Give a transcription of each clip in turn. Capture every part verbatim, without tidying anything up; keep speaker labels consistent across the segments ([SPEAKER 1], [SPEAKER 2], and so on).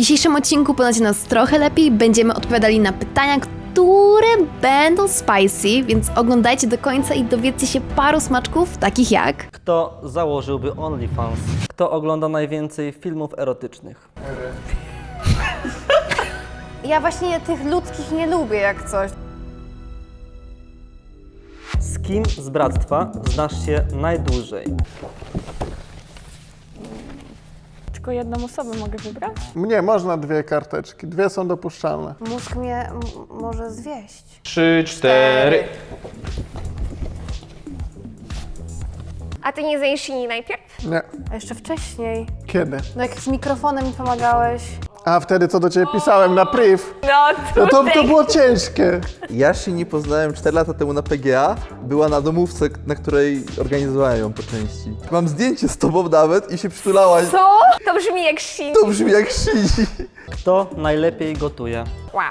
[SPEAKER 1] dzisiejszym odcinku poznacie nas trochę lepiej, będziemy odpowiadali na pytania, które będą spicy, więc oglądajcie do końca i dowiedzcie się paru smaczków, takich jak...
[SPEAKER 2] Kto założyłby OnlyFans? Kto ogląda najwięcej filmów erotycznych?
[SPEAKER 3] Ja właśnie tych ludzkich nie lubię jak coś.
[SPEAKER 2] Z kim z bractwa znasz się najdłużej?
[SPEAKER 4] Tylko jedną osobę mogę wybrać?
[SPEAKER 5] Nie, można dwie karteczki. Dwie są dopuszczalne.
[SPEAKER 3] Mózg mnie m- może zwieść.
[SPEAKER 6] Trzy, cztery.
[SPEAKER 7] A ty nie zajesz silni najpierw?
[SPEAKER 5] Nie.
[SPEAKER 3] A jeszcze wcześniej.
[SPEAKER 5] Kiedy?
[SPEAKER 3] No jak z mikrofonem mi pomagałeś.
[SPEAKER 5] A wtedy co do ciebie pisałem na priv.
[SPEAKER 7] No
[SPEAKER 5] No to, to było ciężkie.
[SPEAKER 8] Ja Shini poznałem cztery lata temu na P G A. Była na domówce, na której organizowałem ją po części. Mam zdjęcie z tobą nawet i się przytulałaś.
[SPEAKER 7] Co? To brzmi jak shit.
[SPEAKER 8] To brzmi jak Shini.
[SPEAKER 2] Kto najlepiej gotuje?
[SPEAKER 7] Wow.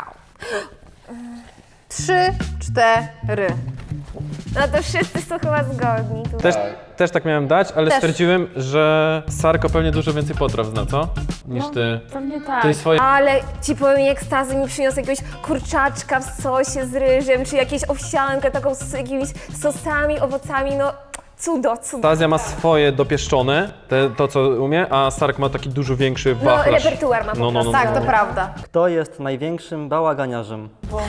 [SPEAKER 3] Trzy, cztery.
[SPEAKER 7] No to wszyscy są chyba zgodni tu.
[SPEAKER 6] Też, też tak miałem dać, ale
[SPEAKER 3] Też.
[SPEAKER 6] stwierdziłem, że Sarko pewnie dużo więcej potraw zna, co? Niż ty.
[SPEAKER 4] Pewnie tak.
[SPEAKER 6] Ty swoje...
[SPEAKER 7] Ale ci powiem, jak Stazy mi przyniosł jakiegoś kurczaczka w sosie z ryżem, czy jakieś owsiankę taką z jakimiś sosami, owocami, no cudo, cudo.
[SPEAKER 6] Stazja ma swoje dopieszczone, te, to co umie, a Sark ma taki dużo większy
[SPEAKER 7] No,
[SPEAKER 6] wachlarz.
[SPEAKER 7] repertuar ma po
[SPEAKER 6] No, no, no,
[SPEAKER 7] prostu.
[SPEAKER 3] Tak, to prawda.
[SPEAKER 2] Kto jest największym bałaganiarzem?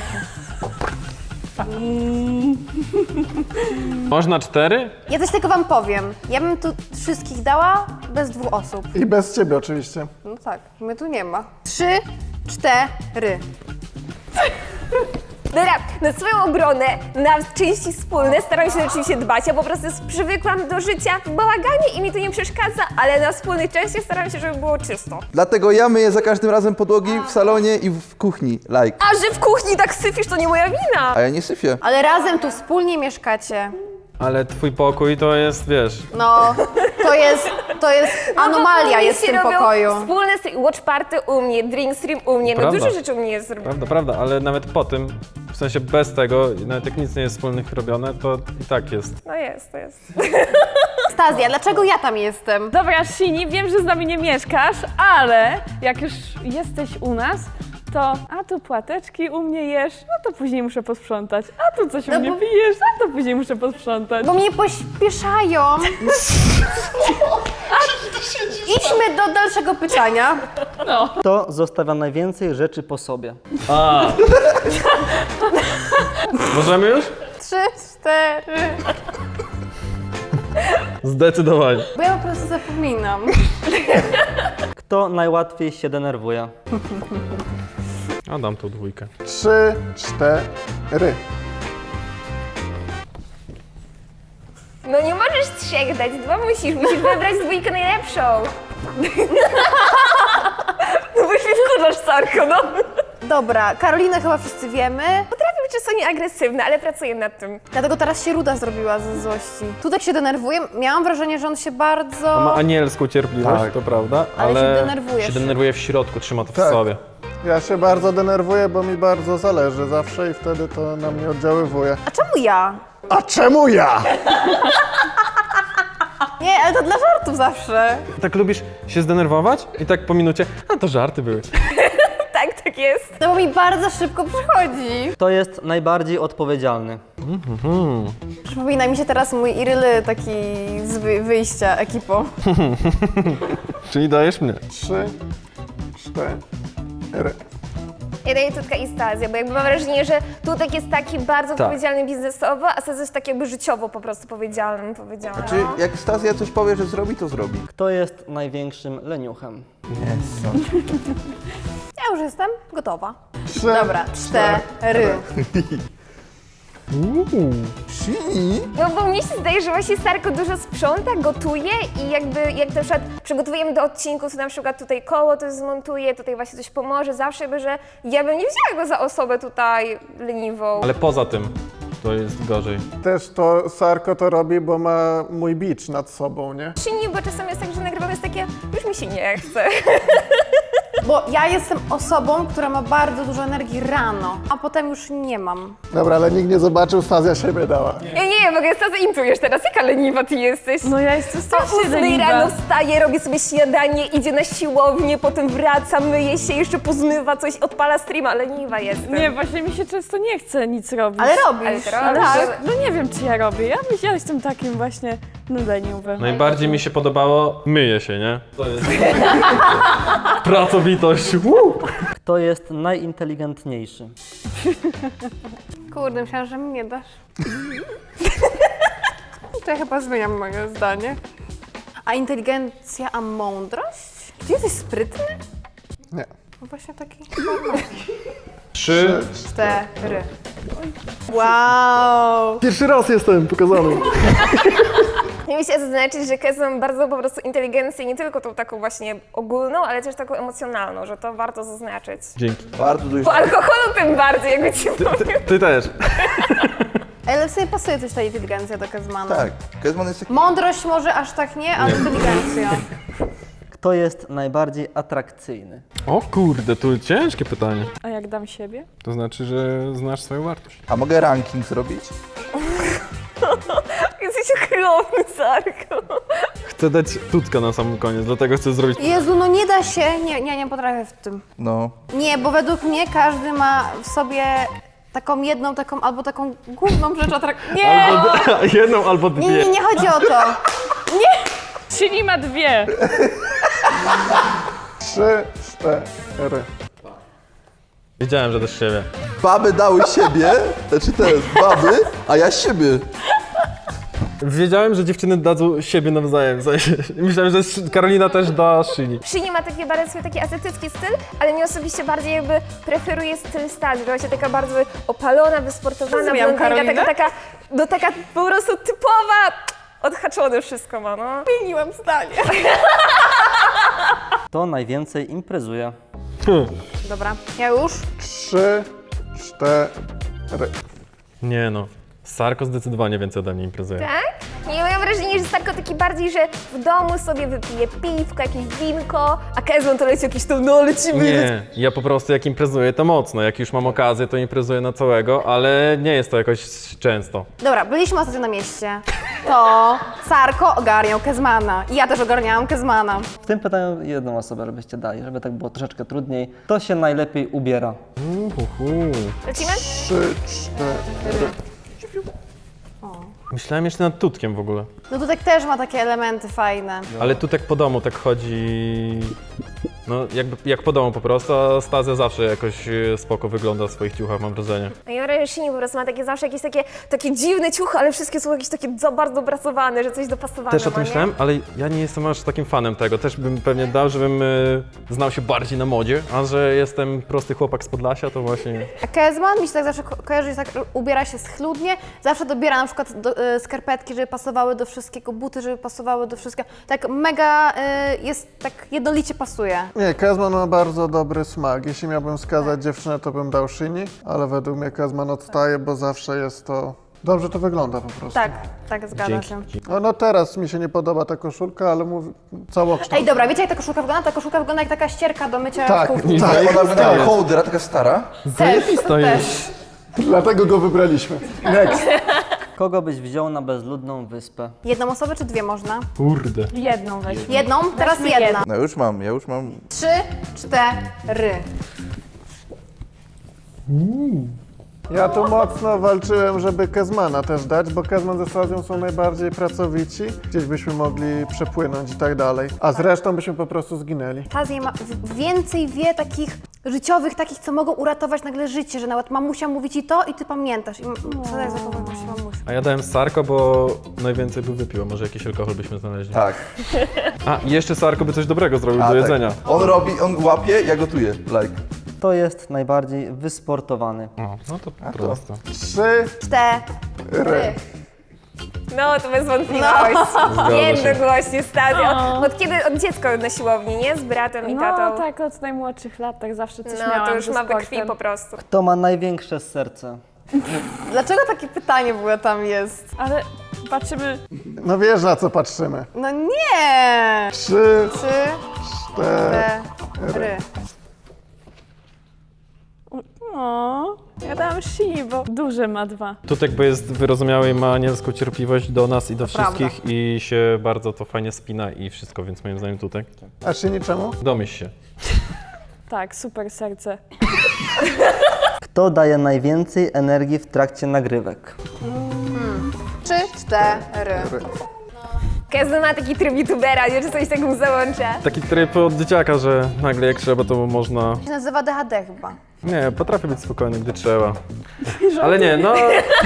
[SPEAKER 6] Można cztery?
[SPEAKER 3] Ja coś tylko wam powiem. Ja bym tu wszystkich dała bez dwóch osób.
[SPEAKER 5] I bez ciebie oczywiście.
[SPEAKER 3] No tak, mnie tu nie ma. Trzy, cztery.
[SPEAKER 7] Dobra, na swoją obronę, na części wspólne staram się oczywiście dbać. Ja po prostu przywykłam do życia w bałaganie i mi to nie przeszkadza, ale na wspólnych częściach staram się, żeby było czysto.
[SPEAKER 8] Dlatego ja myję za każdym razem podłogi w salonie i w kuchni. Like.
[SPEAKER 7] A że w kuchni tak syfisz, to nie moja wina.
[SPEAKER 8] A ja nie syfię.
[SPEAKER 3] Ale razem tu wspólnie mieszkacie.
[SPEAKER 6] Ale twój pokój to jest, wiesz...
[SPEAKER 3] No, to jest, to jest anomalia
[SPEAKER 7] U mnie
[SPEAKER 3] jest w
[SPEAKER 7] się
[SPEAKER 3] tym
[SPEAKER 7] robią
[SPEAKER 3] pokoju.
[SPEAKER 7] Wspólne stream, watch party u mnie, drink stream u mnie, no
[SPEAKER 6] Prawda.
[SPEAKER 7] dużo rzeczy u mnie jest zrobione.
[SPEAKER 6] Prawda, prawda, ale nawet po tym, w sensie bez tego, nawet jak nic nie jest wspólnych robione, to i tak jest.
[SPEAKER 7] No jest, to jest.
[SPEAKER 3] Stazja, dlaczego ja tam jestem?
[SPEAKER 4] Dobra, Shini, wiem, że z nami nie mieszkasz, ale jak już jesteś u nas, to a tu płateczki u mnie jesz, no to później muszę posprzątać. A tu coś u
[SPEAKER 3] No
[SPEAKER 4] mnie
[SPEAKER 3] bo-
[SPEAKER 4] pijesz, a to później muszę posprzątać.
[SPEAKER 3] Bo mnie pośpieszają. Idźmy do dalszego pytania.
[SPEAKER 2] Kto zostawia najwięcej rzeczy po sobie?
[SPEAKER 6] Możemy już?
[SPEAKER 3] Trzy, cztery.
[SPEAKER 6] Zdecydowanie.
[SPEAKER 3] Bo ja po prostu zapominam.
[SPEAKER 2] Kto najłatwiej się denerwuje?
[SPEAKER 6] A dam tą dwójkę.
[SPEAKER 5] Trzy, cztery.
[SPEAKER 7] No nie możesz trzech dać, dwa musisz, musisz wybrać dwójkę najlepszą. No bo już mnie wkurzasz, Sarko, no.
[SPEAKER 3] Dobra, Karolinę chyba wszyscy wiemy.
[SPEAKER 7] Potrafię być czasami agresywna, ale pracuję nad tym.
[SPEAKER 3] Dlatego teraz się ruda zrobiła ze złości. Tu tak się denerwuje. Miałam wrażenie, że on się bardzo...
[SPEAKER 6] On ma anielską cierpliwość,
[SPEAKER 5] Tak.
[SPEAKER 6] to prawda,
[SPEAKER 3] Ale
[SPEAKER 6] ale,
[SPEAKER 3] się denerwuje
[SPEAKER 6] się
[SPEAKER 3] szybko.
[SPEAKER 6] denerwuje w środku, trzyma to w
[SPEAKER 5] Tak.
[SPEAKER 6] sobie.
[SPEAKER 5] Ja się bardzo denerwuję, bo mi bardzo zależy zawsze i wtedy to na mnie oddziaływuje.
[SPEAKER 3] A czemu ja?
[SPEAKER 5] A czemu ja?
[SPEAKER 3] Nie, ale to dla żartów zawsze.
[SPEAKER 6] Tak lubisz się zdenerwować i tak po minucie, a to żarty były.
[SPEAKER 7] Tak, tak jest.
[SPEAKER 3] No bo mi bardzo szybko przychodzi.
[SPEAKER 2] Kto jest najbardziej odpowiedzialny?
[SPEAKER 3] Przypomina mi się teraz mój Iryly taki z wy- wyjścia ekipą.
[SPEAKER 6] Czyli dajesz mnie.
[SPEAKER 5] Trzy, cztery.
[SPEAKER 7] Ja daję Tutka i Stazję, bo jakby mam wrażenie, że Tutek jest taki bardzo
[SPEAKER 6] Tak.
[SPEAKER 7] odpowiedzialny biznesowo, a Stazja jest tak jakby życiowo po prostu powiedzialny, powiedzialny.
[SPEAKER 8] Czy jak Stazja coś powie, że zrobi, to zrobi.
[SPEAKER 2] Kto jest największym leniuchem?
[SPEAKER 3] Ja już jestem gotowa.
[SPEAKER 5] Trzy,
[SPEAKER 3] Dobra, cztery.
[SPEAKER 8] Shini?
[SPEAKER 7] No bo mnie się zdaje, że właśnie Sarko dużo sprząta, gotuje i jakby jak na przykład przygotowujemy do odcinków, to na przykład tutaj koło to zmontuje, tutaj właśnie coś pomoże, zawsze jakby, że ja bym nie wzięła go za osobę tutaj leniwą.
[SPEAKER 6] Ale poza tym to jest gorzej.
[SPEAKER 5] Też to Sarko to robi, bo ma mój bicz nad sobą, nie?
[SPEAKER 7] Czy nie, bo czasem jest tak, że nagrywamy jest takie, już mi się nie chce.
[SPEAKER 3] bo ja jestem osobą, która ma bardzo dużo energii rano, a potem już nie mam.
[SPEAKER 5] Dobra, ale nikt nie zobaczył, Fazja siebie dała.
[SPEAKER 7] Ja nie wiem, w ogóle co zaintujesz teraz, jaka leniwa ty jesteś?
[SPEAKER 4] No ja jestem
[SPEAKER 7] O
[SPEAKER 4] strasznie
[SPEAKER 7] ósmej
[SPEAKER 4] leniwa.
[SPEAKER 7] rano wstaje, robi sobie śniadanie, idzie na siłownię, potem wraca, myje się, jeszcze pozmywa coś, odpala streama, leniwa jestem.
[SPEAKER 4] Nie, właśnie mi się często nie chce nic robić.
[SPEAKER 3] Ale robisz.
[SPEAKER 7] Ale to
[SPEAKER 4] Ale
[SPEAKER 7] robisz.
[SPEAKER 4] że- no nie wiem, czy ja robię. Ja, myślę, ja jestem takim właśnie no leniwym.
[SPEAKER 6] Najbardziej mi się podobało, myje się, nie? To jest... Pracowitość. Woo!
[SPEAKER 2] Kto jest najinteligentniejszy?
[SPEAKER 3] Kurde, myślałam, że mi nie dasz. To ja chyba zmieniam moje zdanie. A inteligencja, a mądrość? Ty jesteś sprytny?
[SPEAKER 5] Nie.
[SPEAKER 3] No właśnie taki...
[SPEAKER 6] Trzy.
[SPEAKER 3] Cztery. Wow!
[SPEAKER 5] Pierwszy raz jestem pokazany.
[SPEAKER 7] Ja mi się zaznaczyć, że Kez mam bardzo po prostu inteligencję, nie tylko tą taką właśnie ogólną, ale też taką emocjonalną, że to warto zaznaczyć.
[SPEAKER 6] Dzięki.
[SPEAKER 8] Bardzo dużo.
[SPEAKER 7] Po alkoholu tym bardziej, jakby ci powiem.
[SPEAKER 6] Ty też.
[SPEAKER 3] Ale w sobie pasuje coś ta inteligencja do Kezmana.
[SPEAKER 8] Tak, Kezman jest taki...
[SPEAKER 3] Mądrość może aż tak nie, ale inteligencja.
[SPEAKER 2] Kto jest najbardziej atrakcyjny?
[SPEAKER 6] O kurde, tu ciężkie pytanie.
[SPEAKER 4] A jak dam siebie?
[SPEAKER 6] To znaczy, że znasz swoją wartość.
[SPEAKER 8] A mogę ranking zrobić?
[SPEAKER 7] Jesteś okropny, Sarko.
[SPEAKER 6] Chcę dać tutkę na sam koniec, dlatego chcę zrobić...
[SPEAKER 3] Jezu, no nie da się. Nie, nie, nie potrafię w tym.
[SPEAKER 8] No.
[SPEAKER 3] Nie, bo według mnie każdy ma w sobie taką jedną, taką albo taką główną rzecz atrak... Nie!
[SPEAKER 6] Albo d- jedną albo
[SPEAKER 3] Nie,
[SPEAKER 6] dwie.
[SPEAKER 3] nie, nie chodzi o to.
[SPEAKER 4] Czyli ma dwie.
[SPEAKER 5] Trzy, cztery.
[SPEAKER 6] Wiedziałem, że też siebie.
[SPEAKER 8] Baby dały siebie, znaczy teraz baby, a ja siebie.
[SPEAKER 6] Wiedziałem, że dziewczyny dadzą siebie nawzajem. w sensie, Myślałem, że Sz- Karolina też da Szyni.
[SPEAKER 7] Szyni ma taki bardzo swój taki azjatycki styl, ale mnie osobiście bardziej jakby preferuje styl Starzy, właśnie taka bardzo opalona, wysportowana,
[SPEAKER 3] Zrobiłam
[SPEAKER 7] blondynka,
[SPEAKER 3] Karolinę?
[SPEAKER 7] taka, taka, no taka po prostu typowa, odhaczone wszystko ma, no.
[SPEAKER 3] Zmieniłam zdanie.
[SPEAKER 2] Kto najwięcej imprezuje?
[SPEAKER 3] Dobra, ja już.
[SPEAKER 5] Trzy, cztery.
[SPEAKER 6] Nie no. Sarko zdecydowanie więcej ode mnie imprezuje.
[SPEAKER 7] Tak? Nie, ja mam wrażenie, że Sarko taki bardziej, że w domu sobie wypije piwko, jakieś winko, a Kezman to leci jakieś to, no lecimy.
[SPEAKER 6] Nie, ja po prostu jak imprezuję to mocno. Jak już mam okazję, to imprezuję na całego, ale nie jest to jakoś często.
[SPEAKER 3] Dobra, byliśmy ostatnio na mieście. To Sarko ogarniał Kezmana. I ja też ogarniałam Kezmana.
[SPEAKER 2] W tym pytaniu jedną osobę żebyście dali, żeby tak było troszeczkę trudniej. Kto się najlepiej ubiera?
[SPEAKER 6] Uhuhu.
[SPEAKER 7] Lecimy?
[SPEAKER 5] Trzy, cztery.
[SPEAKER 6] Myślałem jeszcze nad tutkiem w ogóle.
[SPEAKER 3] No tutaj też ma takie elementy fajne.
[SPEAKER 6] Ale tutek po domu tak chodzi... No jakby jak po domu po prostu, a Stazja zawsze jakoś e, spoko wygląda w swoich ciuchach, mam wrażenie.
[SPEAKER 7] A ja mam wrażenie, że Szyni po prostu ma takie zawsze jakieś takie, takie dziwne ciuchy, ale wszystkie są jakieś takie za bardzo dopracowane, że coś dopasowane
[SPEAKER 6] Też o
[SPEAKER 7] ma,
[SPEAKER 6] tym
[SPEAKER 7] nie?
[SPEAKER 6] myślałem, ale ja nie jestem aż takim fanem tego. Też bym pewnie dał, żebym e, znał się bardziej na modzie, a że jestem prosty chłopak z Podlasia, to właśnie...
[SPEAKER 3] A Kezman mi się tak zawsze ko- kojarzy, że tak ubiera się schludnie. Zawsze dobiera na przykład do, y, skarpetki, żeby pasowały do wszystkiego, buty, żeby pasowały do wszystkiego. Tak mega y, jest, tak jednolicie pasuje.
[SPEAKER 5] Nie, Kezman ma bardzo dobry smak. Jeśli miałbym wskazać dziewczynę, to bym dał Szyni, ale według mnie Kezman odstaje, bo zawsze jest to... Dobrze to wygląda po prostu.
[SPEAKER 3] Tak, tak, zgadza
[SPEAKER 6] Dzięki.
[SPEAKER 3] się.
[SPEAKER 5] No, no teraz mi się nie podoba ta koszulka, ale mówię całokształt.
[SPEAKER 3] Ej, dobra, wiecie jak ta koszulka wygląda? Ta koszulka wygląda jak taka ścierka do mycia
[SPEAKER 5] Tak,
[SPEAKER 3] w kuchni.
[SPEAKER 5] tak.
[SPEAKER 8] Ona wygląda kołdra, taka stara.
[SPEAKER 3] Też,
[SPEAKER 6] to
[SPEAKER 3] też.
[SPEAKER 5] Dlatego go wybraliśmy. Next.
[SPEAKER 2] Kogo byś wziął na bezludną wyspę?
[SPEAKER 3] Jedną osobę czy dwie można?
[SPEAKER 6] Kurde.
[SPEAKER 4] Jedną weź.
[SPEAKER 3] Jedną? Teraz
[SPEAKER 4] Weźmy
[SPEAKER 3] jedna.
[SPEAKER 4] jedną.
[SPEAKER 8] No już mam, ja już mam.
[SPEAKER 3] Trzy, cztery.
[SPEAKER 5] Ja tu mocno walczyłem, żeby Kezmana też dać, bo Kezman ze Stazją są najbardziej pracowici. Gdzieś byśmy mogli przepłynąć i tak dalej. A zresztą byśmy po prostu zginęli.
[SPEAKER 3] Tazja ma w- więcej wie takich życiowych, takich, co mogą uratować nagle życie, że nawet mamusia mówi ci to i ty pamiętasz. I m- co tak zachowujesz się mamusia?
[SPEAKER 6] A ja dałem Sarko, bo najwięcej by wypiło. Może jakiś alkohol byśmy znaleźli.
[SPEAKER 8] Tak.
[SPEAKER 6] A, i jeszcze Sarko by coś dobrego zrobił
[SPEAKER 8] A,
[SPEAKER 6] do
[SPEAKER 8] tak.
[SPEAKER 6] jedzenia.
[SPEAKER 8] On robi, on łapie, ja gotuję. Like.
[SPEAKER 2] Kto jest najbardziej wysportowany?
[SPEAKER 6] O, no to prosto.
[SPEAKER 5] Trzy,
[SPEAKER 3] Cztery.
[SPEAKER 7] No, to bez wątpliwości.
[SPEAKER 6] się.
[SPEAKER 7] Jednogłośnie, Stazja. Od kiedy? Od dziecka na siłowni, nie? Z bratem i
[SPEAKER 4] No
[SPEAKER 7] tatą.
[SPEAKER 4] tak, od najmłodszych lat tak zawsze coś
[SPEAKER 7] No,
[SPEAKER 4] miałam
[SPEAKER 7] to już
[SPEAKER 4] ze
[SPEAKER 7] ma we
[SPEAKER 4] sportem.
[SPEAKER 7] krwi po prostu.
[SPEAKER 2] Kto ma największe serce?
[SPEAKER 3] Dlaczego takie pytanie w ogóle tam jest?
[SPEAKER 4] Ale patrzymy,
[SPEAKER 5] no wiesz na co patrzymy.
[SPEAKER 3] No nie!
[SPEAKER 5] Trzy,
[SPEAKER 3] Trzy,
[SPEAKER 5] cztery.
[SPEAKER 3] cztery.
[SPEAKER 4] O, ja dałam Shini, bo duże ma dwa.
[SPEAKER 6] Tutek, bo jest wyrozumiały i ma anielską cierpliwość do nas i do
[SPEAKER 3] To
[SPEAKER 6] wszystkich i się bardzo to fajnie spina i wszystko, więc moim zdaniem Tutek.
[SPEAKER 5] A Szyni czemu?
[SPEAKER 6] Domyśl się.
[SPEAKER 4] Tak, super serce.
[SPEAKER 2] Kto daje najwięcej energii w trakcie nagrywek?
[SPEAKER 3] Trzy, cztery.
[SPEAKER 7] Każdy ma taki tryb youtubera, nie? Czy coś takiego załącza.
[SPEAKER 6] Taki tryb od dzieciaka, że nagle jak trzeba, to można...
[SPEAKER 3] To się nazywa D H D chyba.
[SPEAKER 6] Nie, potrafię być spokojny, gdy trzeba. Ale nie, no...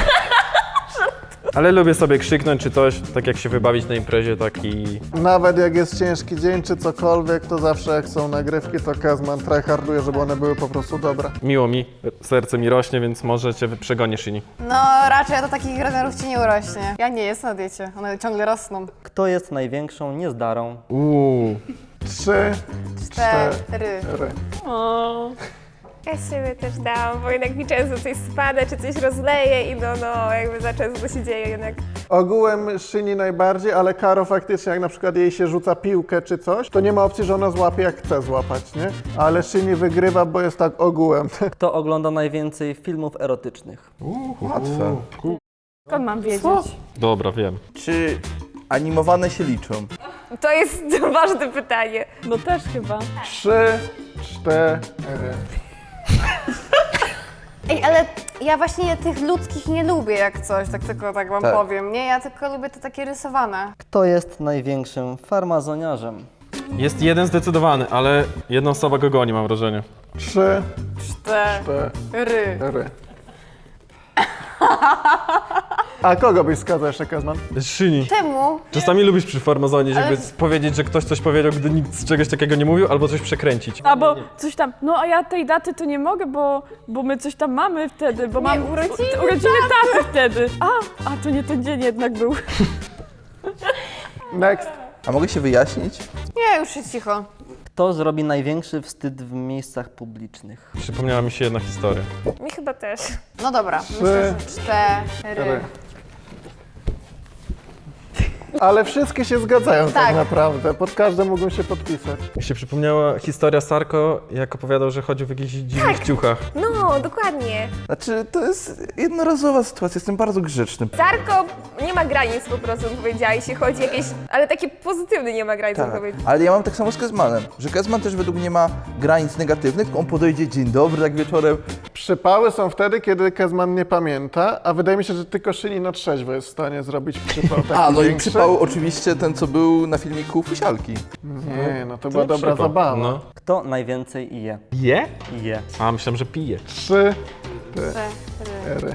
[SPEAKER 6] Ale lubię sobie krzyknąć czy coś, tak jak się wybawić na imprezie, tak i...
[SPEAKER 5] Nawet jak jest ciężki dzień czy cokolwiek, to zawsze jak są nagrywki, to Kezman tryharduje, żeby one były po prostu dobre.
[SPEAKER 6] Miło mi, serce mi rośnie, więc może cię przegonię, Szyni.
[SPEAKER 3] No raczej do takich rozmiarów ci nie urośnie. Ja nie jestem na diecie, one ciągle rosną.
[SPEAKER 2] Kto jest największą niezdarą?
[SPEAKER 6] Uuu.
[SPEAKER 5] Trzy,
[SPEAKER 3] Cztery.
[SPEAKER 5] cztery.
[SPEAKER 4] O,
[SPEAKER 7] Ja z siebie też dałam, bo jednak mi często coś spada, czy coś rozleje i no, no, jakby za często to się dzieje jednak.
[SPEAKER 5] Ogółem Szyni najbardziej, ale Karo faktycznie, jak na przykład jej się rzuca piłkę czy coś, to nie ma opcji, że ona złapie jak chce złapać, nie? Ale Szyni wygrywa, bo jest tak ogółem.
[SPEAKER 2] Kto ogląda najwięcej filmów erotycznych?
[SPEAKER 8] Łatwe.
[SPEAKER 4] skąd mam wiedzieć?
[SPEAKER 6] Dobra, wiem.
[SPEAKER 8] Czy animowane się liczą?
[SPEAKER 7] To jest ważne pytanie.
[SPEAKER 4] No też chyba.
[SPEAKER 5] Trzy, cztery.
[SPEAKER 3] Ej, ale ja właśnie tych ludzkich nie lubię jak coś, tak tylko tak wam
[SPEAKER 8] Tak.
[SPEAKER 3] powiem, nie? Ja tylko lubię te takie rysowane.
[SPEAKER 2] Kto jest największym farmazoniarzem?
[SPEAKER 6] Jest jeden zdecydowany, ale jedna osoba go goni, mam wrażenie.
[SPEAKER 5] Trzy,
[SPEAKER 3] Cztery.
[SPEAKER 5] cztery. A kogo byś wskazał jeszcze, Kezman?
[SPEAKER 6] Szyni.
[SPEAKER 3] Czemu?
[SPEAKER 6] Czasami lubisz przy farmazonie, żeby
[SPEAKER 3] Ale-
[SPEAKER 6] powiedzieć, że ktoś coś powiedział, gdy nikt z czegoś takiego nie mówił, albo coś przekręcić.
[SPEAKER 4] Albo coś tam, no a ja tej daty to nie mogę, bo, bo my coś tam mamy wtedy, bo mam
[SPEAKER 3] urodziny
[SPEAKER 4] u- urodziny taty wtedy. A, a to nie ten dzień jednak był.
[SPEAKER 5] Next.
[SPEAKER 8] A mogę się wyjaśnić?
[SPEAKER 3] Nie, już jest cicho.
[SPEAKER 2] Kto zrobi największy wstyd w miejscach publicznych?
[SPEAKER 6] Przypomniała mi się jedna historia.
[SPEAKER 7] Mi chyba też.
[SPEAKER 3] No dobra, myślę, że cztery.
[SPEAKER 5] Cztery. Ale wszystkie się zgadzają tak,
[SPEAKER 3] Tak.
[SPEAKER 5] naprawdę. Pod każdym mógłbym się podpisać.
[SPEAKER 6] Mi się przypomniała historia Sarko, jak opowiadał, że chodził w jakichś dziwnych ciuchach.
[SPEAKER 7] No, dokładnie.
[SPEAKER 8] Znaczy, to jest jednorazowa sytuacja, jestem bardzo grzeczny.
[SPEAKER 7] Zarko nie ma granic po prostu, powiedziałeś, jeśli chodzi jakieś, ale takie pozytywne nie ma granic,
[SPEAKER 8] Tak,
[SPEAKER 7] powiedzieć.
[SPEAKER 8] ale ja mam tak samo z Kezmanem, że Kezman też według mnie ma granic negatywnych, tylko on podejdzie, dzień dobry, tak wieczorem.
[SPEAKER 5] Przypały są wtedy, kiedy Kezman nie pamięta, a wydaje mi się, że tylko Szyni na trzeźwo jest w stanie zrobić przypał taki
[SPEAKER 8] A, no i
[SPEAKER 5] większy.
[SPEAKER 8] przypał oczywiście ten, co był na filmiku Fusialki.
[SPEAKER 5] Nie, no to była
[SPEAKER 6] nie
[SPEAKER 5] dobra
[SPEAKER 6] przypał.
[SPEAKER 5] zabawa.
[SPEAKER 6] No.
[SPEAKER 2] Kto najwięcej je?
[SPEAKER 6] Je?
[SPEAKER 2] Je.
[SPEAKER 6] A, myślałem, że pije.
[SPEAKER 5] Trzy, cztery.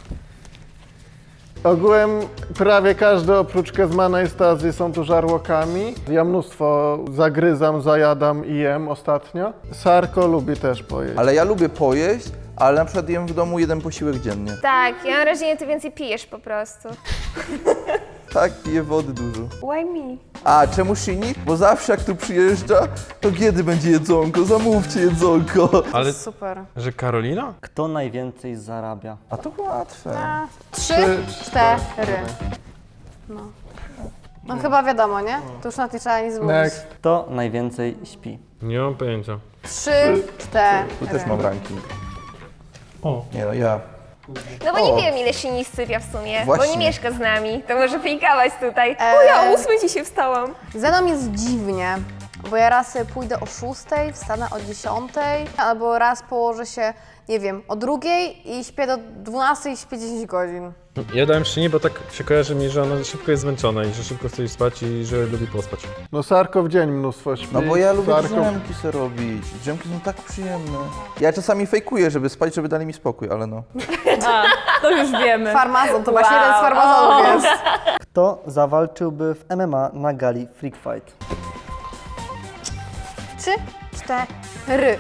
[SPEAKER 5] Ogółem prawie każdy oprócz Kezmana i Stazji są tu żarłokami. Ja mnóstwo zagryzam, zajadam i jem ostatnio. Sarko lubi też pojeść.
[SPEAKER 8] Ale ja lubię pojeść, ale na przykład jem w domu jeden posiłek dziennie.
[SPEAKER 7] Tak, ja mam wrażenie, ty więcej pijesz po prostu.
[SPEAKER 8] Tak, piję wody dużo.
[SPEAKER 7] Why me?
[SPEAKER 8] A, czemu Szyni? Bo zawsze jak tu przyjeżdża, to kiedy będzie jedzonko? Zamówcie jedzonko.
[SPEAKER 6] Ale,
[SPEAKER 3] Super.
[SPEAKER 6] że Karolina?
[SPEAKER 2] Kto najwięcej zarabia?
[SPEAKER 8] A to łatwe.
[SPEAKER 3] Trzy, cztery. No. No chyba wiadomo, nie? To już na tej trzeba nic mówić.
[SPEAKER 5] Next.
[SPEAKER 2] Kto najwięcej śpi?
[SPEAKER 6] Nie mam pojęcia.
[SPEAKER 3] Trzy, cztery.
[SPEAKER 8] Tu też mam ranking.
[SPEAKER 6] O.
[SPEAKER 8] Nie no, ja.
[SPEAKER 7] No bo nie
[SPEAKER 8] O.
[SPEAKER 7] wiem, ile Szyni sypia w sumie, bo
[SPEAKER 8] Właśnie.
[SPEAKER 7] nie mieszka z nami, to może fejkałaś tutaj.
[SPEAKER 3] Eee.
[SPEAKER 7] O, ja o ósmej dzisiaj wstałam.
[SPEAKER 3] Ze mną jest dziwnie, bo ja raz sobie pójdę o szóstej, wstanę o dziesiątej, albo raz położę się, nie wiem, o drugiej i śpię do dwunastej i śpię dziesięć godzin.
[SPEAKER 6] Ja dałem Szyni, bo tak się kojarzy mi, że ona szybko jest zmęczona i że szybko chce iść spać i że lubi pospać.
[SPEAKER 5] No Sarko w dzień mnóstwo śpi.
[SPEAKER 8] No bo ja lubię
[SPEAKER 5] Sarko...
[SPEAKER 8] drzemki sobie robić. Drzemki są tak przyjemne. Ja czasami fejkuję, żeby spać, żeby dali mi spokój, ale no.
[SPEAKER 4] A, to już wiemy.
[SPEAKER 3] Farmazon, to właśnie jeden z farmazonów jest.
[SPEAKER 2] Kto zawalczyłby w M M A na gali Freak Fight?
[SPEAKER 3] Trzy, cztery.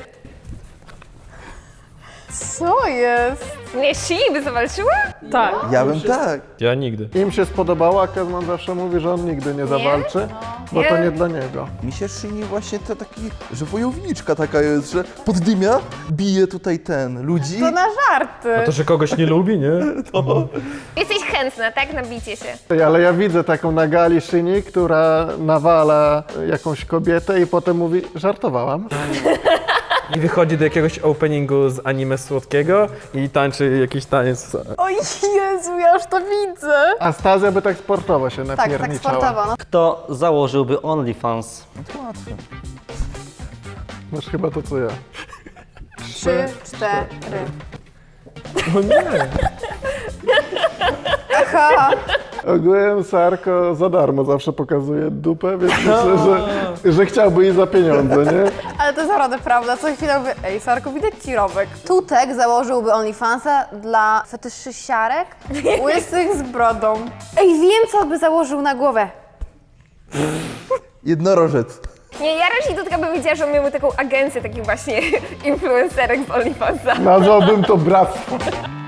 [SPEAKER 3] Co jest?
[SPEAKER 7] Nie, Szyni by zawalczyła?
[SPEAKER 4] Tak.
[SPEAKER 8] Ja bym tak.
[SPEAKER 6] Ja nigdy.
[SPEAKER 5] Im się spodobało, a Kezman zawsze mówi, że on nigdy nie zawalczy, bo to
[SPEAKER 7] Nie.
[SPEAKER 5] nie dla niego.
[SPEAKER 8] Mi się Szyni właśnie to taki, że wojowniczka taka jest, że poddymia, bije tutaj ten, ludzi.
[SPEAKER 3] To na żarty.
[SPEAKER 6] A to, że kogoś nie lubi, nie?
[SPEAKER 7] Jesteś chętna, tak? Na bicie się.
[SPEAKER 5] Ej, ale ja widzę taką na gali Szyni, która nawala jakąś kobietę i potem mówi, żartowałam.
[SPEAKER 6] i wychodzi do jakiegoś openingu z anime słodkiego i tańczy jakiś taniec.
[SPEAKER 3] O Jezu, ja już to widzę.
[SPEAKER 5] A Stazja by tak sportowo się
[SPEAKER 3] Tak, tak
[SPEAKER 5] napierniczała.
[SPEAKER 3] sportowo. No.
[SPEAKER 2] Kto założyłby OnlyFans?
[SPEAKER 8] Łatwe.
[SPEAKER 5] Masz chyba to co ja.
[SPEAKER 3] Trzy, cztery.
[SPEAKER 6] No nie!
[SPEAKER 3] Aha.
[SPEAKER 5] Ogółem Sarko za darmo zawsze pokazuje dupę, więc myślę, że, że chciałby jej za pieniądze, nie?
[SPEAKER 3] Ale to jest naprawdę prawda. Co chwilę mówię, ej Sarko, widać ci robek. Tutek założyłby OnlyFansa dla fetyszysiarek łysych z brodą. Ej, wiem co by założył na głowę.
[SPEAKER 8] Jednorożec.
[SPEAKER 7] Nie, ja raczej Tutka bym wiedziała, że on miałby taką agencję takich właśnie influencerek z OnlyFansa.
[SPEAKER 5] Nazwałbym to bractwo.